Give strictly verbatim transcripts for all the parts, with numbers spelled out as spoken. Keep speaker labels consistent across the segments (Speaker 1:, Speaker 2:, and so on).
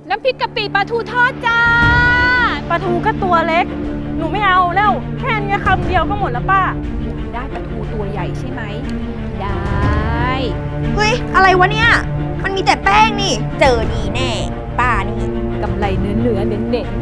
Speaker 1: น้ำพริกกะปิปลาทูทอดจ้า
Speaker 2: ปลาทูก็ตัวเล็กหนูไม่เอาแล้วแค่นี้คำเดียวก็หมดแล้วป้า
Speaker 1: ได้ปลาทูตัวใหญ่ใช่ไหมได้
Speaker 3: เฮ้ยอะไรวะเนี่ยมันมีแต่แป้งนี่เจอดีแน่ป้านี่
Speaker 1: กำไรเนื้อเนื้อเน้นเน้น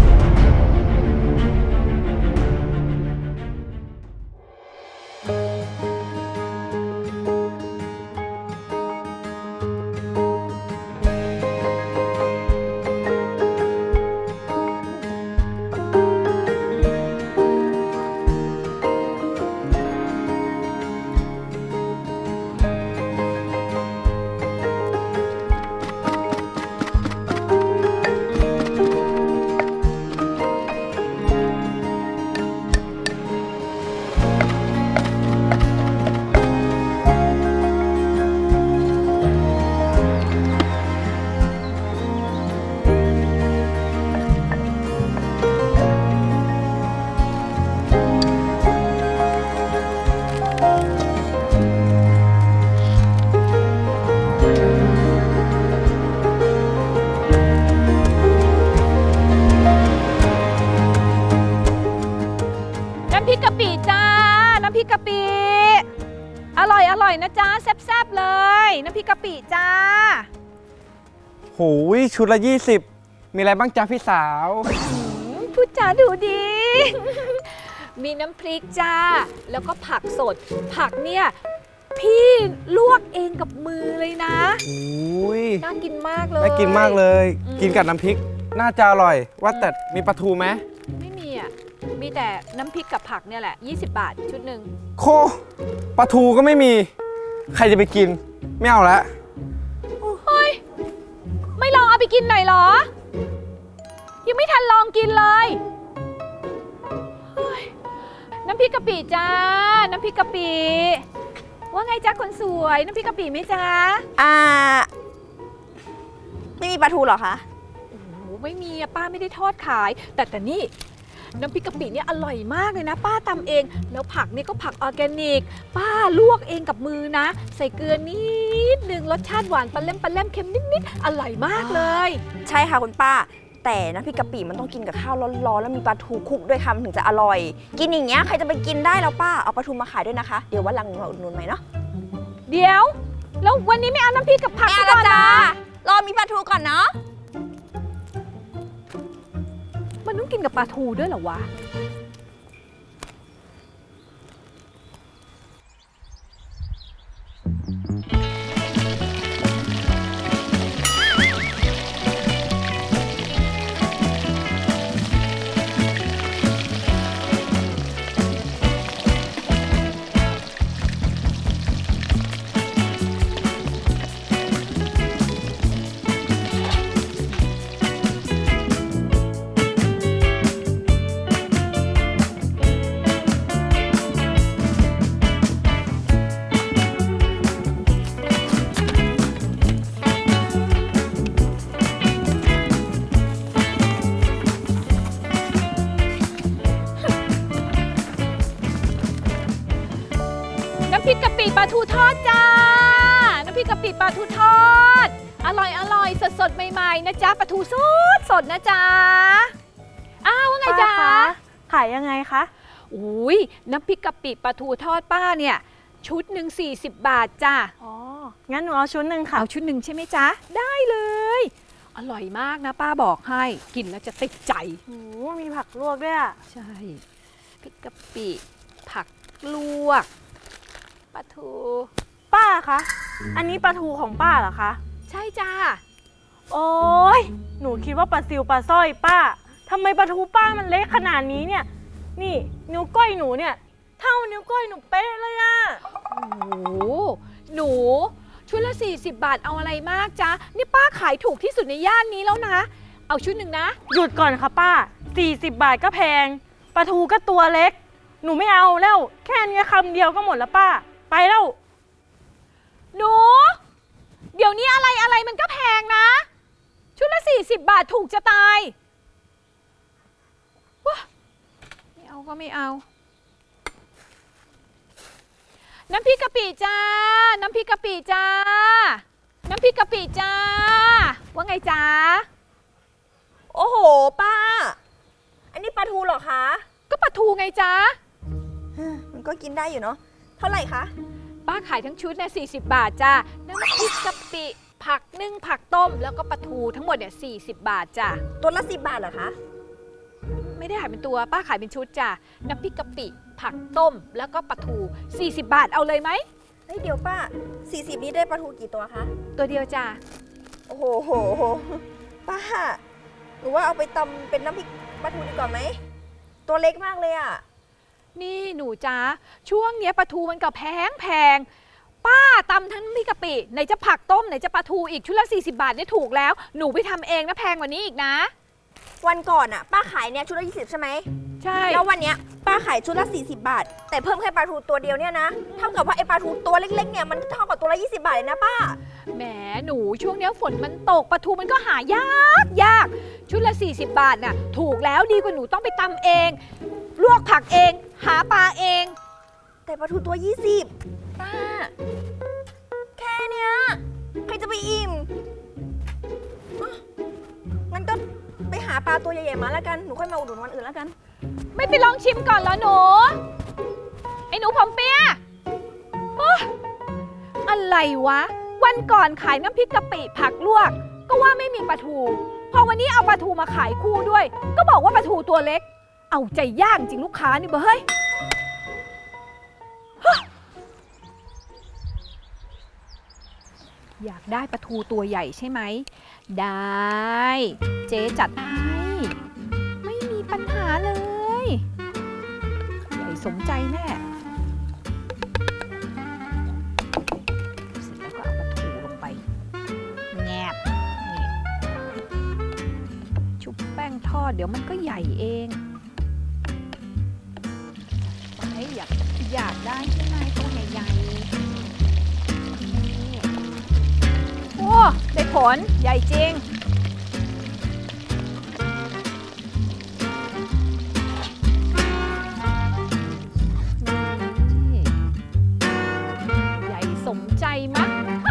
Speaker 1: น้ำพริกกะปิจ้าน้ำพริกกะปิอร่อยอร่อยนะจ้าแซ่บๆเลยน้ำพริกกะปิจ้า
Speaker 4: โหยชุดละยี่สิบมีอะไรบ้างจ๊ะพี่สาว
Speaker 1: พูดจาดูดี มีน้ำพริกจ้าแล้วก็ผักสดผักเนี่ยพี่ลวกเองกับมือเลยนะ
Speaker 4: โอ้ย
Speaker 1: น่ากินมากเลย
Speaker 4: น่ากินมากเลย กินกับน้ำพริกน่าจะอร่อยว่าแต่มีปลาทูไหม
Speaker 1: ไม่มีอ่ะมีแต่น้ำพริกกับผักเนี่ยแหละยี่สิบบาทชุดหนึ่ง
Speaker 4: โคปลาทูก็ไม่มีใครจะไปกินไม่เอาละ
Speaker 1: เฮ้ยไม่ลองเอาไปกินหน่อยเหรอยังไม่ทันลองกินเลยน้ำพริกกะปิจ้าน้ำพริกกะปิว่าไงจ๊ะคนสวยน้ำพริกกะปิไหมจ๊ะ
Speaker 3: อ่าไม่มีปลาทูหรอคะ
Speaker 1: โอ้โหไม่มีอะป้าไม่ได้ทอดขายแต่แต่นี่น้ำพริกกะปิเนี่ยอร่อยมากเลยนะป้าตำเองแล้วผักนี่ก็ผักออร์แกนิกป้าลวกเองกับมือนะใส่เกลือนิดนึงรสชาติหวานปลาเล่มปลาเล่มเค็มนิดๆอร่อยมากเลย
Speaker 3: ใช่ค่ะคุณป้าแต่น้ำพริกกะปิมันต้องกินกับข้าวร้อนๆแล้วมีปลาทูคลุกด้วยคำถึงจะอร่อยกินอย่างเงี้ยใครจะไปกินได้แล้วป้าเอาปลาทูมาขายด้วยนะคะเดี๋ยววันหลังหนูมาอุดหนุนใหม่เนาะ
Speaker 1: เดี๋ยวแล้ววันนี้ไม่เอาน้ำพริกกับผัก
Speaker 3: ก่อนนะรอมีปลาทูก่อนเนาะ
Speaker 1: มันต้องกินกับปลาทูด้วยเหรอวะน้ำพริกกะปิปลาทูทอดจ้าน้ำพริกกะปิปลาทูทอดอร่อยอร่อยสดสดใหม่ๆนะจ๊ะปลาทูสดสดนะจ๊ะอ้าวว่าไงจ๊ะ
Speaker 2: ขายยังไงคะ
Speaker 1: อุ้ยน้ำพริกกะปิปลาทูทอดป้าเนี่ยชุดหนึ่งสี่สิบบาทจ้ะ
Speaker 2: อ๋องั้นหนูเอาชุดหนึ่งค่ะ
Speaker 1: เอาชุดหนึ่งใช่ไหมจ๊ะได้เลยอร่อยมากนะป้าบอกให้กินแล้วจะติดใจ
Speaker 2: โอ้มีผักลวกด้วยอ่ะ
Speaker 1: ใช่พริกกะปิผักลวกปลาทู
Speaker 2: ป้าคะอันนี้ปลาทูของป้าเหรอคะ
Speaker 1: ใช่จ้า
Speaker 2: โอ้ยหนูคิดว่าปลาซิวปลาสร้อยป้าทำไมปลาทูป้ามันเล็กขนาดนี้เนี่ยนี่นิ้วก้อยหนูเนี่ยเท่านิ้วก้อยหนูเป๊ะเลยอะ
Speaker 1: โอ้โหหนูชุดละสี่สิบบาทเอาอะไรมากจ๊ะนี่ป้าขายถูกที่สุดในย่านนี้แล้วนะเอาชุดหนึ่งนะ
Speaker 2: หยุดก่อนค่ะป้าสี่สิบบาทก็แพงปลาทูก็ตัวเล็กหนูไม่เอาแล้วแค่นี้คำเดียวก็หมดแล้วป้าไปแล้ว
Speaker 1: หนูเดี๋ยวนี้อะไรอะไรมันก็แพงนะชุดละสี่สิบบาทถูกจะตายว้าไม่เอาก็ไม่เอาน้ำพริกกะปิจ้าน้ำพริกกะปิจ้าน้ำพริกกะปิจ้าว่าไงจ๊ะ
Speaker 3: โอ้โหป้า อันนี้ปลาทูเหรอคะ
Speaker 1: ก็ปลาทูไงจ๊ะ
Speaker 3: มันก็กินได้อยู่เนาะ เท่าไหร่คะ
Speaker 1: ป้าขายทั้งชุดเนี่ยสี่สิบบาทจ้ะน้ำพริกกะปิผักนึ่งผักต้ม แล้วก็ปลาทูทั้งหมดเนี่ยสี่สิบบาทจ้ะ
Speaker 3: ตัวละสิบบาทเหรอคะ
Speaker 1: ไม่ได้ขายเป็นตัวป้าขายเป็นชุดจ้ะน้ำพริกกะปิผักต้ม แล้วก็ปลาทูสี่สิบบาทเอาเลยไหม
Speaker 3: เฮ้ยเดี๋ยวป้าสี่สิบนี้ได้ปลาทูกี่ตัวคะ
Speaker 1: ตัวเดียวจ้ะ
Speaker 3: โอ้โหโหโหป้าหรือว่าเอาไปตำเป็นน้ำพริกปลาทูดีกว่าไหม ตัวเล็กมากเลยอะ
Speaker 1: นี่หนูจ้าช่วงเนี้ยปลาทูมันก็แพงแพงป้าตำทั้งน้ำพริกกะปิไหนจะผักต้มไหนจะปลาทูอีกชุดละสี่สิบบาทเนี่ยถูกแล้วหนูไปทำเองนะแพงกว่านี้อีกนะ
Speaker 3: วันก่อนอะป้าขายเนี่ยชุดละยี่สิบใช่ไหม
Speaker 1: ใช่
Speaker 3: แล้ววันเนี้ยป้าขายชุดละสี่สิบบาท แต่เพิ่มแค่ปลาทูตัวเดียวเนี่ยนะ เท่ากับว่าไอปลาทูตัวเล็กๆเนี่ยมันเท่ากับตัวละยี่สิบบาทเลยนะป้า
Speaker 1: แหมหนูช่วงเนี้ยฝนมันตกปลาทูมันก็หายากยากชุดละสี่สิบบาทน่ะถูกแล้วดีกว่าหนูต้องไปตำเองลวกผักเองหาปลาเอง
Speaker 3: แต่ปลาทูตัวยี่สิบป้า แค่เนี้ยใครจะไปอิ่มอ่ะงั้นก็ไปหาปลาตัวใหญ่ๆมาแล้วกัน หนูค่อยมาอุดหนุนวันอื่นแล้วกัน
Speaker 1: ไม่ไปลองชิมก่อนเหรอหนูไอ้หนูผมเปียโอ๊ยอะไรวะ วันก่อนขายน้ำพริกกะปิผักลวก ก็ว่าไม่มีปลาทู พอวันนี้เอาปลาทูมาขายคู่ด้วย ก็บอกว่าปลาทูตัวเล็ก เอาใจยากจริงลูกค้านี่เบ้เฮ้ยฮะอยากได้ปลาทูตัวใหญ่ใช่ไหม ได้ เจ๊จัดให้ ไม่มีปัญหาเลย ใหญ่สมใจแน่ เสร็จแล้วก็เอาปลาทูลงไป แงบนี่ชุบแป้งทอดเดี๋ยวมันก็ใหญ่เองไปอยากอยากได้ใช่ไหมตัวใหญ่ๆนี่โอ้ได้ผลใหญ่จริง นี่ใหญ่สมใจมั้ย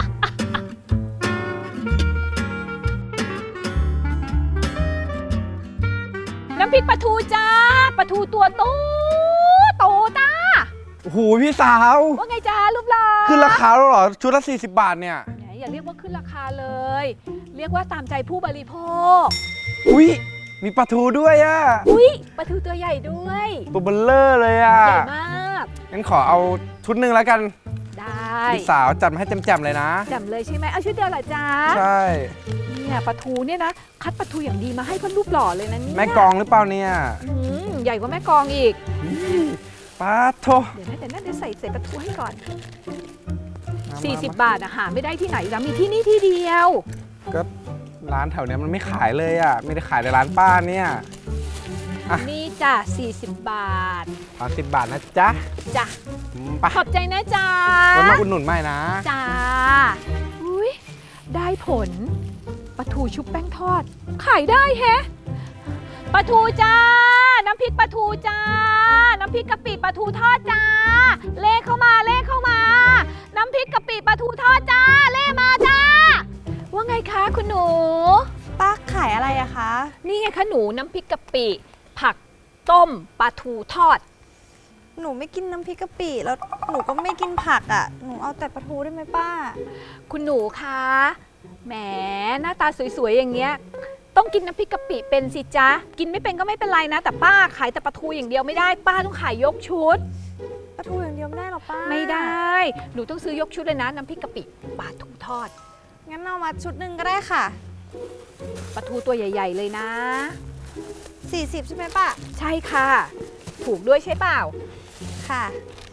Speaker 1: น้ำพริกปลาทูจ้าปลาทูตัวโตโตจ้า
Speaker 4: โอ้โหพี่สาว
Speaker 1: ว่าไงจ้ารูปหล่อ
Speaker 4: ขึ้นราคาแล้วเหรอ ชุดละสี่สิบบาทเนี่ย
Speaker 1: แหมอย่าเรียกว่าขึ้นราคาเลย เรียกว่าตามใจผู้บริโภค
Speaker 4: อุ้ยมีปลาทูด้วยอะ
Speaker 1: อุ๊ยปลาทูตัวใหญ่ด้วย
Speaker 4: ตัวเบลเลอร์เลยอะ
Speaker 1: ใหญ่มาก
Speaker 4: งั้นขอเอาชุดหนึ่งแล้วกัน
Speaker 1: ได้
Speaker 4: พี่สาวจัดมาให้แจ่มๆเลยนะ
Speaker 1: จำเลยใช่ไหมเอาชุดเดียวเหรอจ้า
Speaker 4: ใช่
Speaker 1: เนี่ยปลาทูเนี่ยนะคัดปลาทูอย่างดีมาให้เพื่อนรูปหล่อเลยนะเนี่ย
Speaker 4: แม่กองหรือเปล่าเนี่ย
Speaker 1: อืมใหญ่กว่าแม่กองอีก
Speaker 4: ปลาโท
Speaker 1: เดี๋ยวนะเดี๋ยวนะเดี๋ยวใส่ใส่ปลาทูให้ก่อน
Speaker 4: มา
Speaker 1: สี่สิบ
Speaker 4: มา
Speaker 1: บาทอะหาไม่ได้ที่ไหนแล้วมีที่นี่ที่เดียว
Speaker 4: ก็ร้านแถวเนี้ยมันไม่ขายเลยอะไม่ได้ขายในร้านป้าเนี่ย อ่ะ
Speaker 1: นี่จ้ะสี่สิบบาท
Speaker 4: สามสิบบาทนะจ๊ะ
Speaker 1: จ้ะ
Speaker 4: อืมไป
Speaker 1: ขอบใจนะจ๊ะ
Speaker 4: ไว้มาอุดหนุนใหม่นะ
Speaker 1: จ้าอุ้ยได้ผลปลาทูชุบแป้งทอด ขายได้แฮะปลาทูจ้า น้ำพริกปลาทูจ้า น้ำพริกกะปิปลาทูทอดจ้า เลขเข้ามาเลขเข้ามา น้ำพริกกะปิปลาทูทอดจ้า เลขมาจ้า ว่าไงคะคุณหนู
Speaker 2: ป้าขายอะไรอะคะ
Speaker 1: นี่ไงคะหนูน้ำพริกกะปิ ผักต้มปลาทูทอด
Speaker 2: หนูไม่กินน้ำพริกกะปิแล้วหนูก็ไม่กินผักอะหนูเอาแต่ปลาทูได้ไหมป้า
Speaker 1: คุณหนูคะแหมหน้าตาสวยๆอย่างเงี้ยต้องกินน้ำพริกกะปิเป็นสิจ๊ะ กินไม่เป็นก็ไม่เป็นไรนะ แต่ป้าขายแต่ปลาทูอย่างเดียวไม่ได้ ป้าต้องขายยกชุด
Speaker 2: ปลาทูอย่างเดียวไม่ได้หรอป้า
Speaker 1: ไม่ได้หนูต้องซื้อยกชุดเลยนะน้ำพริกกะปิปลาทูทอด
Speaker 2: งั้นเอามาชุดหนึ่งก็ได้ค่ะ
Speaker 1: ปลาทูตัวใหญ่ ๆ เลยนะ
Speaker 2: สี่สิบใช่ไหมป้า
Speaker 1: ใช่ค่ะ ถูกด้วยใช่เปล่า
Speaker 2: ค่ะ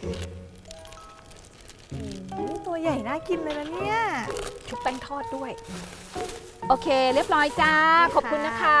Speaker 2: โอ้โหตัวใหญ่น่ากินเลยนะเนี่ย
Speaker 1: ชุบแป้งทอดด้วย โอเค เรียบร้อยจ้า ขอบคุณนะคะ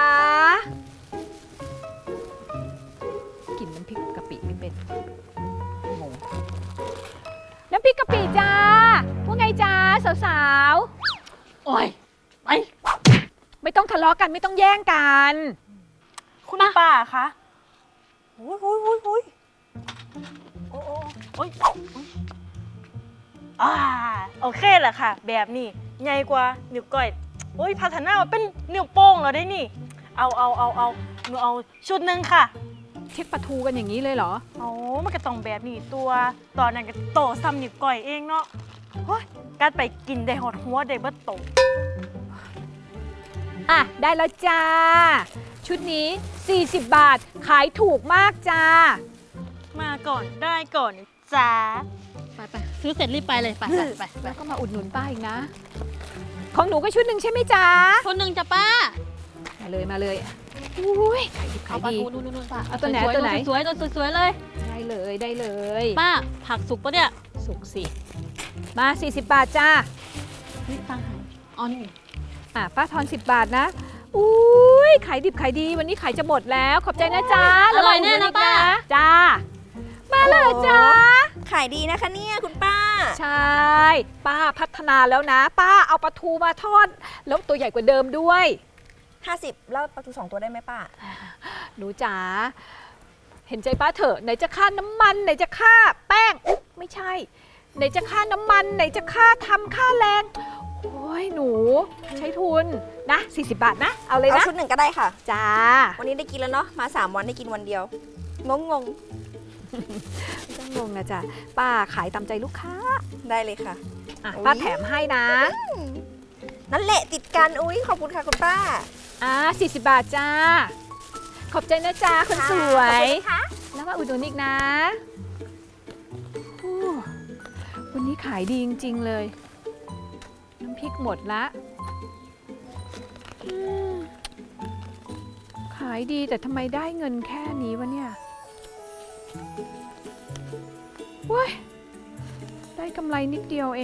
Speaker 1: กินน้ำพริกกะปิไม่เป็นงงน้ำพริกกะปิจ้าว่าไงจ้าสาวๆ โอ้ยไปไม่ต้องทะเลาะกันไม่ต้องแย่งกัน
Speaker 2: คุณป้าคะโอ้ยโอ้ยโอ้ยโอ้ยโอ้โอ้โอ้ยอ่าโอเคแหละค่ะ แบบนี้ใหญ่กว่านิ้วก้อยโอ้ยพัฒนามาเป็นนิ้วโป้งแล้วได้นี่เอาเอาเอาเอาหนูเอาชุดหนึ่งค่ะ
Speaker 1: เช็คปลาทูกันอย่างนี้เลยเหรอ
Speaker 2: โอ้มันก็ต้องแบบนี้ตัว ตอนนั้นก็โตซ้ำนิ้วก้อยเองเนาะโอ้ยกัดไปกินได้หอดหัวได้เบิดโต
Speaker 1: อ่ะ ได้แล้วจ้า ชุดนี้ สี่สิบบาท ขายถูกมากจ้า
Speaker 2: มาก่อนได้ก่อนจ้า
Speaker 5: ไปไปซื้อเสร็จรีบไปเลยไปไปไปไป
Speaker 1: แล้วก็มาอุดหนุนป้าอีกนะ ของหนูก็ชุดหนึ่งใช่ไหมจ๊ะ
Speaker 5: คนหนึ่งจ้ะป้า
Speaker 1: มาเลยมาเลยอุ้ยขายดิบขา
Speaker 5: เอา
Speaker 1: ย
Speaker 5: ปลา
Speaker 1: ดี
Speaker 5: ทูนู่นนู่นป้า
Speaker 1: เอาตัวไหน
Speaker 5: สยๆ
Speaker 1: ตัวไหน
Speaker 5: สวยๆตัวสวยๆเลย
Speaker 1: ได้เลยได้เลย
Speaker 5: ป้าผักสุกปะเนี่ย
Speaker 1: สุกสิ มา สี่สิบบาทจ้า
Speaker 5: เฮ้ยตังค์หายอ๋อนี่
Speaker 1: อ่ะป้าทอนสิบบาทนะ อุ้ยขายดิบขายดี วันนี้ขายจะหมดแล้ว ขอบใจนะจ๊ะ
Speaker 5: อร่อยแน่นะป้า
Speaker 1: จ้า มาเลยจ้า
Speaker 3: ขายดีนะคะเนี่ยคุณป้า
Speaker 1: ใช่ ป้าพัฒนาแล้วนะ ป้าเอาปลาทูมาทอด แล้วตัวใหญ่กว่าเดิมด้วย
Speaker 3: ห้าสิบแล้วปลาทูสองตัวได้ไหมป้า
Speaker 1: หนูจ๋า เห็นใจป้าเถอะ ไหนจะค่าน้ำมัน ไหนจะค่าแป้งอุ๊ยไม่ใช่ ไหนจะค่าน้ำมัน ไหนจะค่าทำค่าแรง โอ้ยหนู ใช้ทุนนะ สี่สิบบาทนะ เอาเลย
Speaker 3: เอา
Speaker 1: นะ
Speaker 3: ชุดหนึ่งก็ได้ค่ะ
Speaker 1: จ้า
Speaker 3: วันนี้ได้กินแล้วเนาะ มาสามวันได้กินวันเดียว งงง
Speaker 1: ไม่ต้องงงนะจ๊ะ ป้าขายตามใจลูกค้า
Speaker 3: ๆได้เลยค่ะ
Speaker 1: อ่ะ
Speaker 3: อุ๊ย
Speaker 1: ป้าแถมให้นะ
Speaker 3: นั่นแหละติดกัน อุ้ยขอบคุณค่ะคุณป้า
Speaker 1: อ่าสี่สิบบาทจ้า ขอบใจนะจ๊ะคนสวย แล้วมาอุดหนุนอีกนะโอ้วันนี้ขายดีจริง ๆ เลย น้ำพริกหมดละอืมขายดีแต่ทำไมได้เงินแค่นี้วะเนี่ยเว้ย ได้กำไรนิดเดียวเอง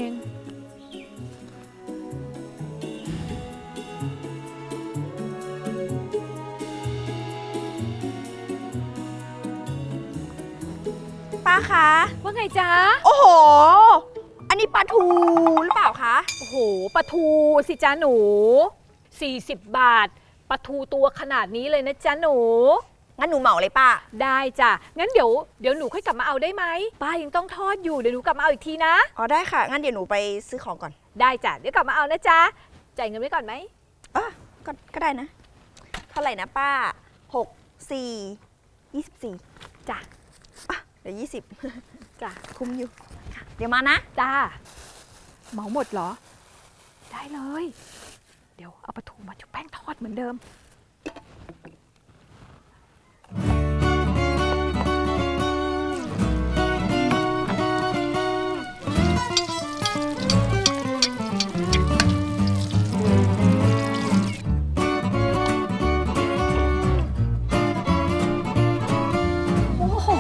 Speaker 3: ป้าคะ
Speaker 1: ว่าไงจ๊ะ
Speaker 3: โอ้โห อันนี้ปลาทูหรือเปล่าคะ
Speaker 1: โอ้โหปลาทูสิจ้าหนู 40 บาทปลาทูตัวขนาดนี้เลยนะจ๊ะหนู
Speaker 3: งั้นหนูเหมาเลยป้า
Speaker 1: ได้จ้ะ งั้นเดี๋ยวเดี๋ยวหนูค่อยกลับมาเอาได้ไหม ป้ายังต้องทอดอยู่ เดี๋ยวหนูกลับมาเอาอีกทีนะ
Speaker 3: อ๋อได้ค่ะ งั้นเดี๋ยวหนูไปซื้อของก่อน
Speaker 1: ได้จ้ะ เดี๋ยวกลับมาเอานะจ๊ะ จ่ายเงินไว้ก่อนไหม
Speaker 3: อ่ะก็ก็ได้นะ เท่าไหร่นะป้าหกสี่ยี่สิบสี่
Speaker 1: จ้ะ
Speaker 3: อ่ะเดี๋ยวยี่สิบ
Speaker 1: จ้ะ
Speaker 3: คุ้มอยู่ค่ะเดี๋ยวมานะ
Speaker 1: จ้า เหมาหมดเหรอ ได้เลย เดี๋ยวเอาปลาทูมาชุบแป้งทอดเหมือนเดิม โอ้โห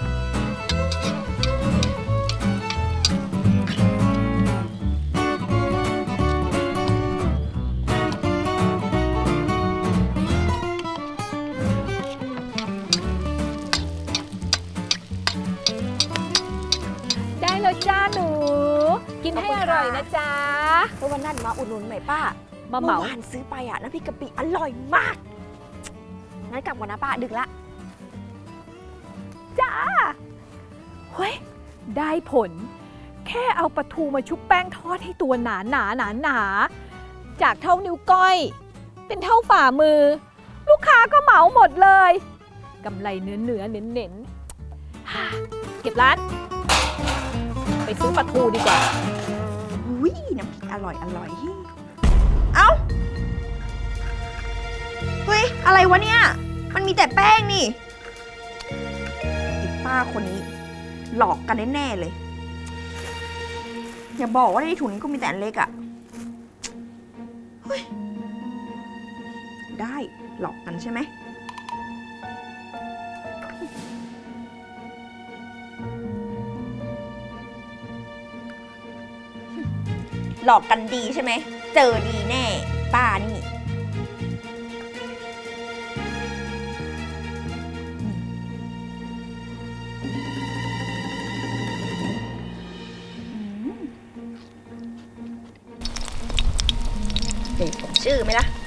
Speaker 1: ได้แล้วจ้าหนู กินให้อร่อยนะจ๊ะ
Speaker 3: เพราะวันนั้นมาอุดหนุนหน่อยป้า
Speaker 1: มาเหมา
Speaker 3: อวานซื้อไปอ่ะน้ำพริกกะปิอร่อยมาก งั้นกลับก่อนนะป้า ดึกละ
Speaker 1: จ้า เฮ้ย ได้ผล แค่เอาปลาทูมาชุบแป้งทอดให้ตัวหนาหนาหนาหนาจากเท่านิ้วก้อย เป็นเท่าฝ่ามือ ลูกค้าก็เหมาหมดเลยกำไรเนื้อเนื้อเน้นเน้นๆฮ่าเก็บร้าน ไปซื้อปลาทูดีกว่า
Speaker 3: อุ้ยน้ำพริกอร่อยอร่อย เอ้า เฮ้ย อะไรวะเนี่ย มันมีแต่แป้งนี่ไอ้ป้าคนนี้ หลอกกันแน่ๆเลย อย่าบอกว่าในถุงนี้ก็มีแต่อันเล็กอะเฮ้ย ได้ หลอกกันใช่ไหม หลอกกันดีใช่ไหม เจอดีแน่ ป้านี่ เด็กผมชื่อไหมล่ะ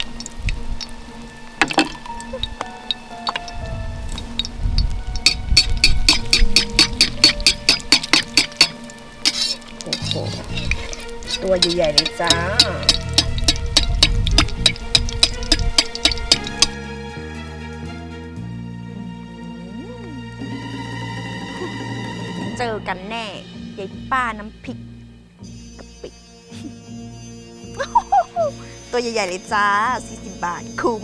Speaker 3: โอ้โห ตัวใหญ่ๆเลยจ้าเจอกันแน่ยายป้าน้ำพริกกะปิ ตัวใหญ่ ๆ เลยจ้า สี่สิบบาท คุ้ม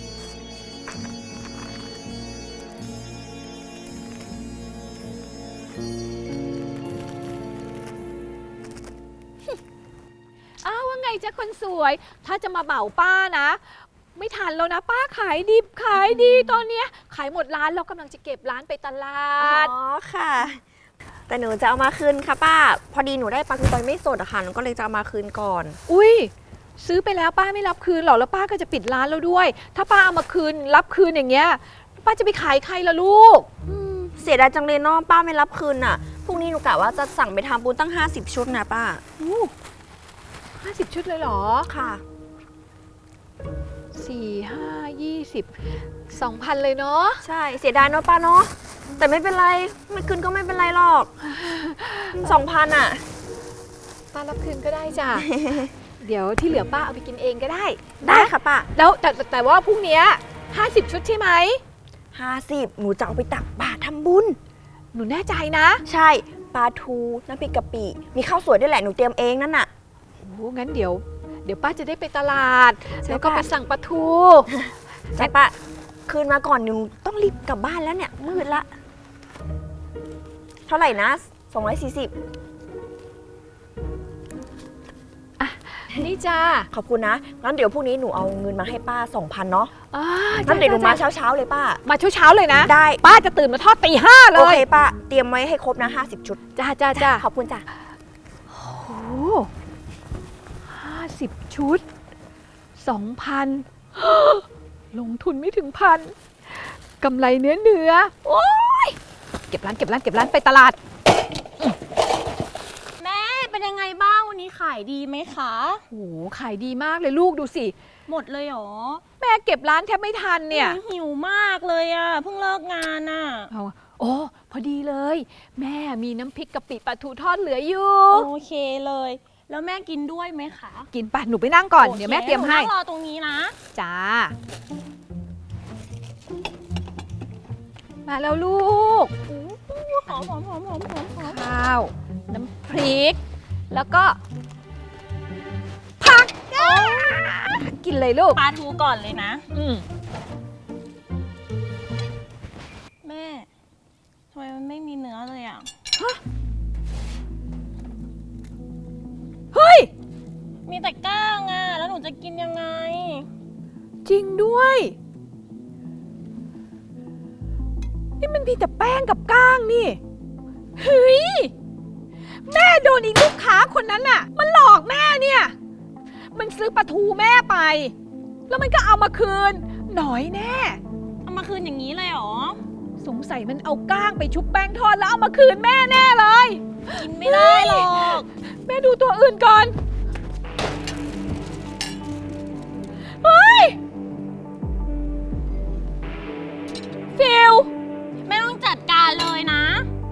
Speaker 1: อ้าวว่าไงจ๊ะคนสวย ถ้าจะมาเหมาป้านะ ไม่ทันแล้วนะป้าขายดิบขายดีตอนเนี้ยขายหมดร้านแล้วกำลังจะเก็บร้านไปตลา
Speaker 3: อ๋
Speaker 1: ด
Speaker 3: อค่ะ แต่หนูจะเอามาคืนค่ะป้า พอดีหนูได้ปลาทูตอยไม่สดอะค่ะหนูก็เลยจะเอามาคืนก่อน
Speaker 1: อุ้ยซื้อไปแล้วป้าไม่รับคืนหรอแล้วป้าก็จะปิดร้านแล้วด้วย ถ้าป้าเอามาคืนรับคืนอย่างเงี้ยป้าจะไปขายใครล่ะลูก
Speaker 3: เสียดายจังเลยเนาะป้าไม่รับคืนอะพรุ่งนี้หนูกะว่าจะสั่งไปทำบุญตั้ง ห้าสิบ ชุดนะป้า
Speaker 1: ห้าสิบชุดเลยเหรอ
Speaker 3: ค่ะ
Speaker 1: สี่ห้ายี่สิบสองพันเลยเนาะ
Speaker 3: ใช่เสียดายเนาะป้าเนาะแต่ไม่เป็นไรไม่คืนก็ไม่เป็นไรหรอก สองพันอะ
Speaker 1: ป้ารับคืนก็ได้จ้ะ เดี๋ยวที่เหลือป้าเอาไปกินเองก็ได้
Speaker 3: ได้ค่ะป้า
Speaker 1: แล้วแต่แต่แต่ว่าพรุ่งเนี้ยห้าสิบชุดใช่ไหม
Speaker 3: ห้าสิบหนูจะเอาไปตักบาตรทำบุญ
Speaker 1: หนูแน่ใจนะ
Speaker 3: ใช่ปลาทูน้ำพริกกะปิมีข้าวสวยด้วยแหละหนูเตรียมเองนั่นน่ะ
Speaker 1: โอ้งั้นเดี๋ยว เดี๋ยวป้าจะได้ไปตลาด
Speaker 3: ใช่
Speaker 1: แล้วก็
Speaker 3: ป้า
Speaker 1: ไปสั่งปลาทู
Speaker 3: ใช่ป้าคืนมาก่อนหนูต้องรีบกลับบ้านแล้วเนี่ยมืดละ เท่าไหร่นะสองร้อยสี่สิบ
Speaker 1: นี่จ้า
Speaker 3: ขอบคุณนะงั้นเดี๋ยวพรุ่งนี้หนูเอาเงินมาให้ป้า สองพัน เนาะ
Speaker 1: อ่า
Speaker 3: งั้นเดี๋ยวหนูมา
Speaker 1: จ้
Speaker 3: เช้าๆเลยป้า
Speaker 1: มาเช้าๆเลยนะ
Speaker 3: ได้
Speaker 1: ป้าจะตื่นมาทอดตีห้าเล
Speaker 3: โอย เคป้าเตรียมไว้ให้ครบนะห้าสิบชุด
Speaker 1: จ้าจ้าจ้า
Speaker 3: ขอบคุณจ้ะ
Speaker 1: โอ้ห้าสิบชุดสองพัน ลงทุนไม่ถึงพันกำไรเนื้อเนื้อโอ้ยเก็บร้านเก็บร้านเก็บร้านไปตลาด
Speaker 2: แม่เป็นยังไงบ้างวันนี้ขายดีไหมคะ
Speaker 1: โอ้โหขายดีมากเลยลูกดูสิ
Speaker 2: หมดเลยเหรอ
Speaker 1: แม่เก็บร้านแทบไม่ทันเนี่ย
Speaker 2: หหิวมากเลยอ่ะเพิ่งเลิกงานอ่ะ
Speaker 1: เอาโอ้พอดีเลย แม่มีน้ำพริกกะปิปลาทูทอดเหลืออยู่
Speaker 2: โอเคเลย แล้วแม่กินด้วยไหมคะ
Speaker 1: กินไปหนูไปนั่งก่อน
Speaker 2: โค
Speaker 1: เดี๋ยวแม่เตรียมให้
Speaker 2: นูนั่งรอตรงนี้นะ
Speaker 1: จ้า มาแล้วลูก
Speaker 2: หอมหอมหอมหอมหอมหอม
Speaker 1: ข้าว น้ำพริก แล้วก็ ผักอ่ากินเลยลูก
Speaker 2: ปลาทูก่อนเลยนะ
Speaker 1: อืม
Speaker 2: แม่ทำไมมันไม่มีเนื้อเลยอ่ะ
Speaker 1: เฮ้ย
Speaker 2: มีแต่ก้างอ่ะแล้วหนูจะกินยังไง
Speaker 1: จริงด้วย นี่มันมีแต่แป้งกับก้างนี่ เฮ้ย แม่โดนอีกลูกค้าคนนั้นน่ะ มันหลอกแม่เนี่ย มันซื้อปลาทูแม่ไป แล้วมันก็เอามาคืน หน่อยแน่
Speaker 2: เอามาคืนอย่างนี้เลยเหรอ
Speaker 1: สงสัยมันเอาก้างไปชุบแป้งทอดแล้วเอามาคืนแม่แน่เลย
Speaker 2: กินไม่ได้หรอก
Speaker 1: แม่ดูตัวอื่นก่อน เฮ้ย ฟิล
Speaker 2: แม่ต้องจัดการเลยนะ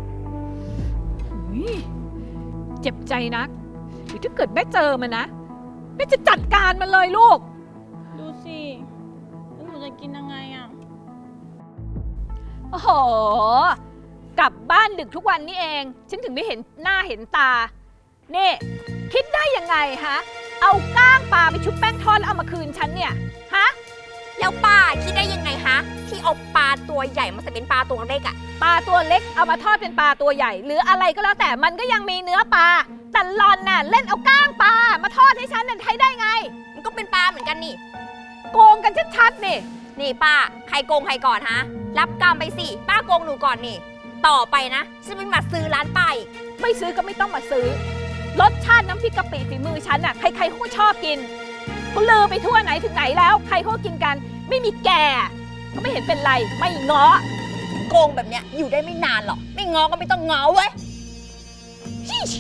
Speaker 1: อุ๊ยเจ็บใจนักหรือถ้าเกิดแม่เจอมันนะ แม่จะจัดการมันเลยลูก
Speaker 2: ดูสิแล้วหนูจะกินยังไงอ่ะ
Speaker 1: โอ้โห กลับบ้านดึกทุกวันนี่เอง ฉันถึงได้เห็นหน้าเห็นตา นี่ คิดได้ยังไงฮะ เอาก้างปลาไปชุบแป้งทอดแล้วเอามาคืนฉันเนี่ย ฮะ
Speaker 3: แล้วป้าคิดได้ยังไงฮะที่เอาปลาตัวใหญ่มาใส่เป็นปลาตัวเล็กอะ
Speaker 1: ปลาตัวเล็กเอามาทอดเป็นปลาตัวใหญ่ หรืออะไรก็แล้วแต่มันก็ยังมีเนื้อปลา แต่หลอนน่ะเล่นเอาก้างปลามาทอดให้ฉันนั่นใช้ได้ไง
Speaker 3: มันก็เป็นปลาเหมือนกันนี่
Speaker 1: โกงกันชัดๆนี่
Speaker 3: นี่ป้าใครโกงใครก่อนฮะรับกรรมไปสิป้าโกงหนูก่อนนี่ ต่อไปนะฉันไม่มาซื้อร้านป้าอีก
Speaker 1: ไม่ซื้อก็ไม่ต้องมาซื้อ รสชาติน้ำพริกกะปิฝีมือฉันน่ะใครๆเขาก็ชอบกินเขาลือไปทั่วไหนถึงไหนแล้ว ใครเขาก็กินกัน ไม่มีแก่ก็ไม่เห็นเป็นไร ไม่ง้อ
Speaker 3: โกงแบบเนี้ยอยู่ได้ไม่นานหรอกไม่ง้อก็ไม่ต้องง้อเว้ย
Speaker 1: ชิช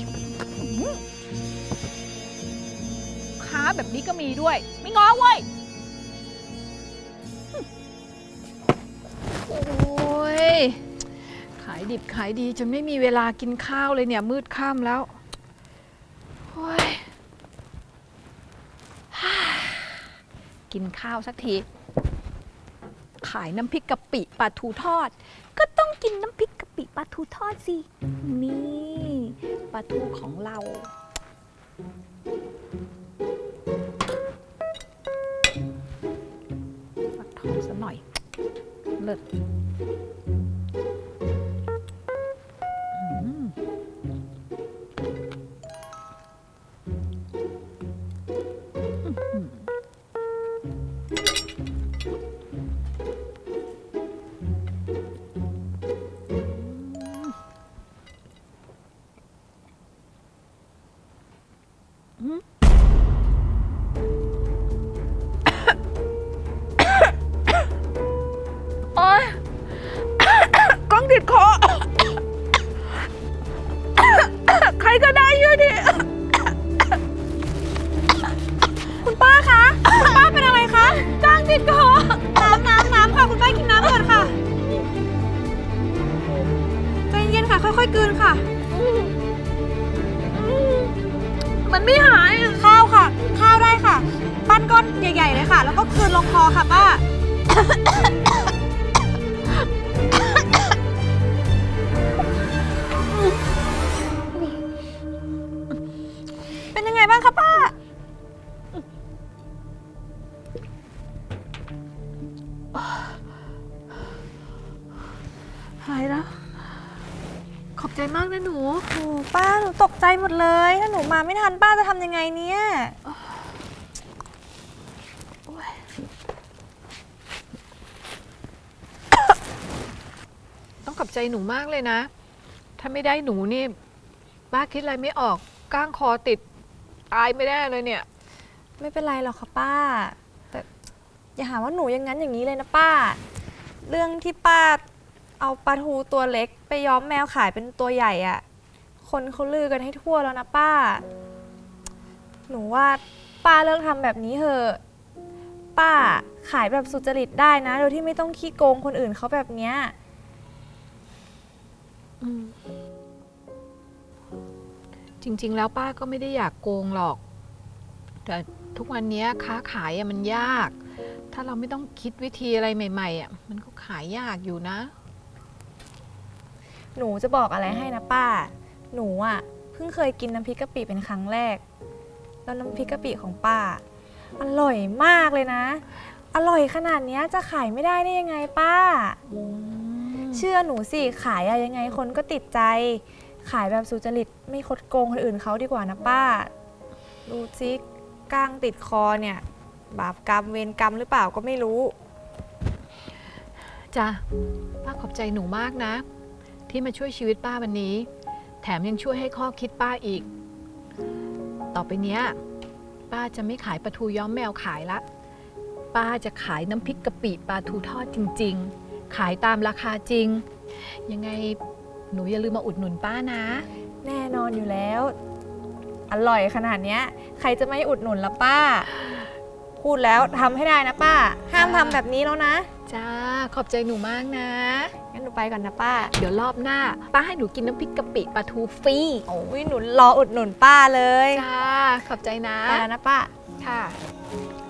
Speaker 1: ค้าแบบนี้ก็มีด้วย ไม่ง้อเว้ย โอ้ย ขายดิบขายดีจนไม่มีเวลากินข้าวเลยเนี่ย มืดค่ำแล้วโอ้ย กินข้าวสักที ขายน้ำพริกกะปิปลาทูทอด ก็ต้องกินน้ำพริกกะปิปลาทูทอดสิ นี่ปลาทูของเราฟักทองซะหน่อย เลิศอืมอื้อหือโอ๊ย กล้องติดคอ ใครก็ได้ช่วยดิ
Speaker 3: คุณป้าคะ คุณป้าเป็นอะไรคะ
Speaker 1: กล้องติดคอ
Speaker 3: น้ำน้ำน้ำค่ะ คุณป้ากินน้ำก่อนค่ะ ใจเย็นๆค่ะ ค่อยๆกลืนค่ะ
Speaker 1: มันไม่หาย
Speaker 3: ข้าวค่ะ ข้าวได้ค่ะ ปั้นก้อนใหญ่ๆเลยค่ะ แล้วก็กลืนลงคอค่ะป้า เป็นยังไงบ้างคะป้า
Speaker 1: หายแล้ว ขอบใจมากนะหนู
Speaker 3: โอ้ป้าหนูตกใจหมดเลย ถ้าหนูมาไม่ทันป้าจะทำยังไงเนี่ย
Speaker 1: ต้องขอบใจหนูมากเลยนะ ถ้าไม่ได้หนูนี่ป้าคิดอะไรไม่ออก ก้างคอติด ตายไม่ได้เลยเนี่ย
Speaker 3: ไม่เป็นไรหรอกค่ะป้า แต่อย่าหาว่าหนูอย่างนั้นอย่างนี้เลยนะป้า เรื่องที่ป้าเอาปลาทูตัวเล็กไปย้อมแมวขายเป็นตัวใหญ่อะคนเขาลือกันให้ทั่วแล้วนะป้า หนูว่าป้าเลิกทำแบบนี้เถอะ ป้าขายแบบสุจริตได้นะ โดยที่ไม่ต้องขี้โกงคนอื่นเขาแบบเนี้ย
Speaker 1: อืมจริง ๆ แล้วป้าก็ไม่ได้อยากโกงหรอก แต่ทุกวันนี้ค้าขายอะมันยาก ถ้าเราไม่ต้องคิดวิธีอะไรใหม่ๆอะมันก็ขายยากอยู่นะ
Speaker 3: หนูจะบอกอะไรให้นะป้า หนูอ่ะเพิ่งเคยกินน้ำพริกกะปิเป็นครั้งแรก แล้วน้ำพริกกะปิของป้า อร่อยมากเลยนะ อร่อยขนาดเนี้ยจะขายไม่ได้ได้ยังไงป้า เชื่อหนูสิขายอะยังไงคนก็ติดใจ ขายแบบสุจริตไม่คดโกงคนอื่นเขาดีกว่านะป้า ดูซิก้างติดคอเนี่ย บาปกรรมเวรกรรมหรือเปล่าก็ไม่รู้
Speaker 1: จ้ะป้าขอบใจหนูมากนะ ที่มาช่วยชีวิตป้าวันนี้ แถมยังช่วยให้ข้อคิดป้าอีก ต่อไปเนี้ยป้าจะไม่ขายปลาทูย้อมแมวขายละ ป้าจะขายน้ำพริกกะปิปลาทูทอดจริง ๆ ขายตามราคาจริง ยังไงหนูอย่าลืมมาอุดหนุนป้านะ
Speaker 3: แน่นอนอยู่แล้ว อร่อยขนาดเนี้ยใครจะไม่อุดหนุนละป้า พูดแล้วทำให้ได้นะป้า ห้ามทำแบบนี้แล้วนะ
Speaker 1: จ้าขอบใจหนูมากนะ
Speaker 3: งั้นหนูไปก่อนนะป้า
Speaker 1: เดี๋ยวรอบหน้า ป้าให้หนูกินน้ำพริกกะปิปลาทูฟรี
Speaker 3: โอ้ยหนูรออุดหนุนป้าเลย
Speaker 1: จ้าขอบใจนะ
Speaker 3: ไปแล้วนะป้า
Speaker 1: ค่ะ